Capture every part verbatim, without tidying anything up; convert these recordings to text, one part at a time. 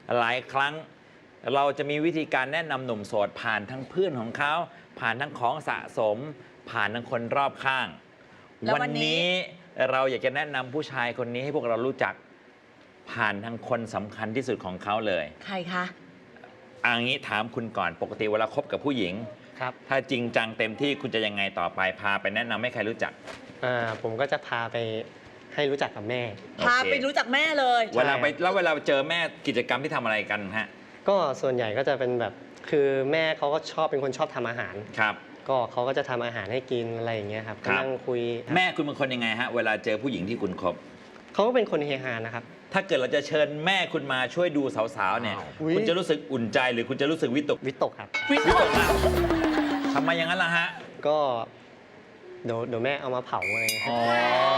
หลายครั้งเราจะมีวิธีการแนะนำหนุ่มโสดผ่านทั้งเพื่อนของเขาผ่านทั้งของสะสม ผ่านทั้งคนรอบข้าง วันนี้เราอยากจะแนะนำผู้ชายคนนี้ให้พวกเรารู้จักผ่านทั้งคนสำคัญที่สุดของเขาเลยใครคะอันนี้ถามคุณก่อนปกติเวลาคบกับผู้หญิงครับถ้าจริงจังเต็มที่คุณจะยังไงต่อไปพาไปแนะนำให้ใครรู้จักอ่าผมก็จะพาไปให้รู้จักกับแม่พาไปรู้จักแม่เลยเวลาไปแล้วเวลาเจอแม่กิจกรรมที่ทำอะไรกันฮะก็ส่วนใหญ่ก็จะเป็นแบบคือแม่เขาก็ชอบเป็นคนชอบทำอาหารครับก็เขาก็จะทำอาหารให้กินอะไรอย่างเงี้ยครับก็นั่งคุยแม่คุณเป็นคนยังไงฮะเวลาเจอผู้หญิงที่คุณคบเขาก็เป็นคนเฮฮานะครับถ้าเกิดเราจะเชิญแม่คุณมาช่วยดูสาวๆเนี่ยคุณจะรู้สึกอุ่นใจหรือคุณจะรู้สึกวิตกวิตกครับวิตกนะทำไมอย่างนั้นล่ะฮะก็เดี๋ยวเดี๋ยวแม่เอามาเผาอะไรอ๋อ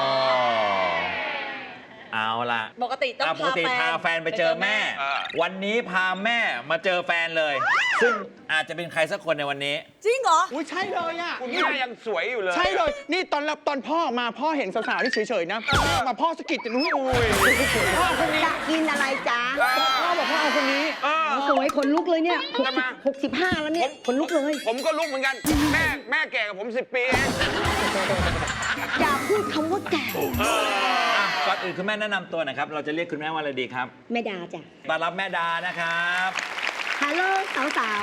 เอาล่ะปกติต้องปกติพาแฟนไปเจอแม่วันนี้พาแม่มาเจอแฟนเลยซึ่งอาจจะเป็นใครสักคนในวันนี้จริงเหรออุ้ยใช่เลยอ่ะคุณแม่ยังสวยอยู่เลยใช่เลยนี่ตอนรับตอนพ่อมาพ่อเห็นสาวๆที่เฉยๆนะมาพ่อสะกิดจะรู้อุ้ยพ่อคนนี้จะกินอะไรจ๊ะพ่อบอกพ่อเอาคนนี้สวยขนลุกเลยเนี่ยหกสิบห้าแล้วเนี่ยขนลุกเลยผมก็ลุกเหมือนกันแม่แม่แก่กับผมสิบปีเองอย่าพูดคำว่าแก่ก่อนอื่นคุณแม่แนะนำตัวหน่อยครับเราจะเรียกคุณแม่ว่าอะไรดีครับแม่ดาจ้ะต้อนรับแม่ดานะครับฮัลโหลสาว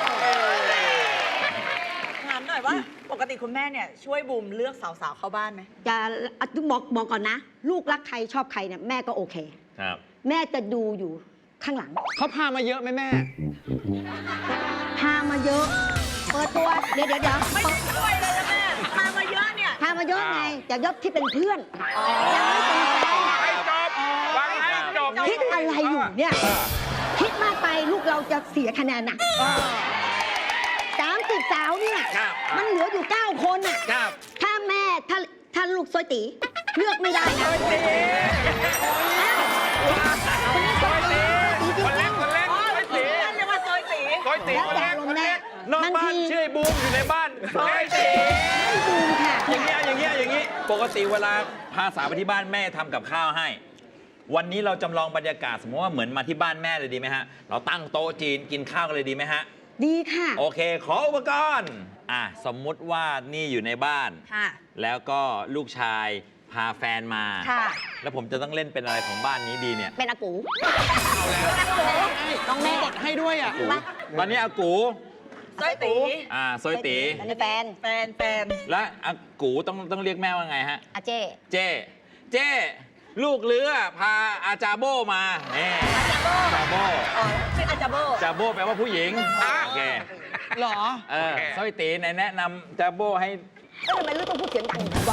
ๆถามหน่อยว่าปกติคุณแม่เนี่ยช่วยบูมเลือกสาวๆเข้าบ้านไหมจะบอกบอกก่อนนะลูกรักใครชอบใครเนี่ยแม่ก็โอเคครับแม่จะดูอยู่ข้างหลังเขาพามาเยอะไหมแม่พามาเยอะเปิดตัวเดี๋ยวเดี๋ยวเดี๋ยวไม่ช่วยเลยนะแม่พามาเยอะเนี่ยพามาเยอะไงแต่ยศที่เป็นเพื่อนยังไม่เป็นแฟนให้จบฟังให้จบคิดอะไรอยู่เนี่ยคิดมากไปลูกเราจะเสียคะแนนหนักสามสิบสาวเนี่ยมันเหลืออยู่เก้าคนอ่ะถ้าแม่ถ้าถ้าลูกซอยตีเลือกไม่ได้นะซอยตีคนเล็กคนเล็กซอยตีเรียกว่าซอยตีซอยตีคนเล็กคนเล็กนอกบ้านชื่อบูมอยู่ในบ้านซอยตีบูมค่ะอย่างเงี้ยอย่างเงี้ยอย่างงี้ปกติเวลาพาสาวไปที่บ้านแม่ทำกับข้าวให้วันนี้เราจำลองบรรยากาศสมมติว่าเหมือนมาที่บ้านแม่เลยดีไหมฮะเราตั้งโต๊ะจีนกินข้าวกันเลยดีไหมฮะดีค่ะโอเคขออุปกรณ์อ่ะสมมุติว่านี่อยู่ในบ้านค่ะแล้วก็ลูกชายพาแฟนมาค่ะแล้วผมจะต้องเล่นเป็นอะไรของบ้านนี้ดีเนี่ยเป็นอากูเอาแล้วน้องแม่กดให้ด้วยอ่ะตอนนี้อากูซอยตีอ่าซอยตีแฟนแฟนแฟนและอากูต้องต้องเรียกแม่ว่าไงฮะอาเจ้เจ้เจ้ลูกเรือพาอาจาโบมาเนี่ยอาจาโบอาจาโบอ๋อเป็นอาจาโบอาจาโบแปลว่าผู้หญิงโอเคหรอเออซอยตีแนะนำจาโบให้ทำไมลูกต้องพูดเสียงดังวะ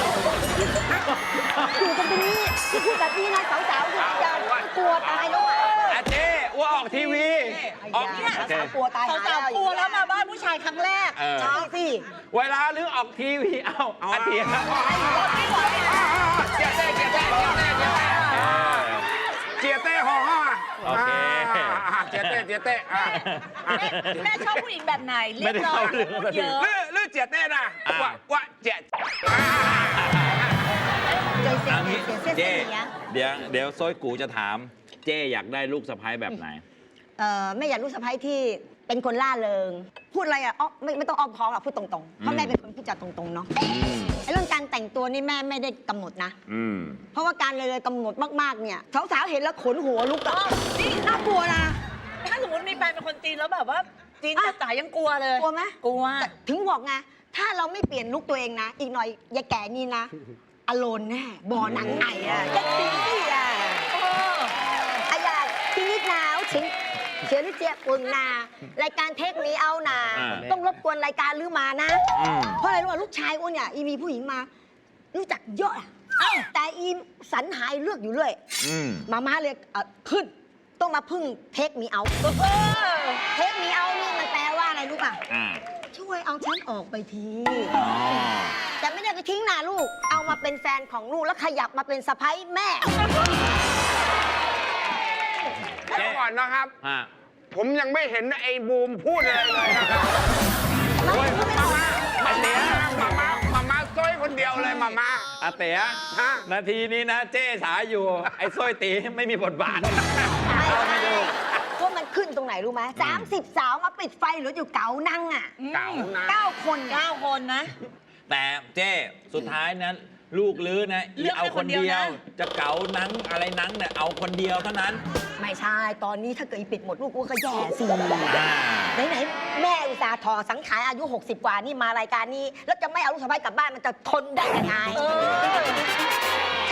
อยู่ตรงนี้ที่พูดแบบนี้นะสาวๆจะกลัวตายแล้วอ่ะอาเจ้ว่าออกทีวีออกเนี่ยสาวกลัวตายสาวกลัวแล้วมาบ้านผู้ชายครั้งแรกใช่สิเวลาหรือออกทีวีเอ้าอาเทียเจี๊ยเต้เจี๊ยเต้เจี๊ยเต้เจี๊ยเต้ห่อห่อโอเคเจี๊ยเต้เจี๊ยเต้แม่ชอบผู้หญิงแบบไหนเรียบร้อยเยอะเลือเลือเจี๊ยเต้นะว่าว่าเจี๊ยเจ๊เดี๋ยวเดี๋ยวโซยกูจะถามเจ๊อยากได้ลูกสะใภ้แบบไหนเออไม่อยากลูกสะใภ้ที่เป็นคนล่าเริงพูดอะไรอ่ะอ๋อไม่ไม่ต้องอ้อมค้อมหรอกพูดตรงๆเพราะแม่เป็นคนพูดจาตรงๆเนาะไอ้เรื่องการแต่งตัวนี่แม่ไม่ได้กำหนดนะเพราะว่าการเลยกำหนดมากๆเนี่ยสาวๆเห็นแล้วขนหัวลุกอ่ะนี่น่ากลัวนะถ้าสมมติมีแฟนเป็นคนจีนแล้วแบบว่าจีนจ๋ายังกลัวเลยกลัวไหมกลัวถึงบอกไงถ้าเราไม่เปลี่ยนลุกตัวเองนะอีกหน่อยยายแก่นี่นะอโลนแน่บ่อหนังไหนอ่ะจะตีอ่ะอะอยากพี่นิดหนาวชิงเชียร์ลิเจียอุ่นนารายการเทคมีเอานาต้องรบกวนรายการลือมานะเพราะอะไรรู้ว่าลูกชายอ้วนเนี่ยอีมีผู้หญิงมารู้จักเยอะแต่อีสันหายเลือกอยู่เรื่อยมาม่าเลยขึ้นต้องมาพึ่งเทคมีเอาเทคมีเอานี่มันแปลว่าอะไรรู้ป่ะช่วยเอาฉันออกไปทีแต่ไม่ได้ไปทิ้งนาลูกเอามาเป็นแฟนของลูกแล้วขยับมาเป็นสะใภ้แม่เดี๋ยวก่อนนะครับผมยังไม่เห็นไอ้บูมพูดอะไรเลยนะครับมาเต๋อมามามามาซอยคนเดียวเลยมามาอาเต๋อนาทีนี้นะเจ๊ฉาอยู่ไอ้ซอยตีไม่มีบทบาทเอาไม่ดูไหมสามสิบสาวมาปิดไฟเหลืออยู่เก๋านั่งอ่ะเก๋านะเก้าคนเก้าคนนะแต่เจ้สุดท้ายนะลูกลื้อนะเลือกเอาให้คคนนเดียวเดียวนะจะเก๋านังอะไรนังเนี่ยเอาคนเดียวเท่านั้นไม่ใช่ ตอนนี้ถ้าเกิดอีปิดหมดลูกกูก็แย่สิอ่าไหนๆแม่อุตส่าห์ถอสังขารอายุ หกสิบ กว่านี่มารายการนี้ แล้วจะไม่เอาลูกสะใภ้กลับบ้านมันจะทนได้ยังไงเออ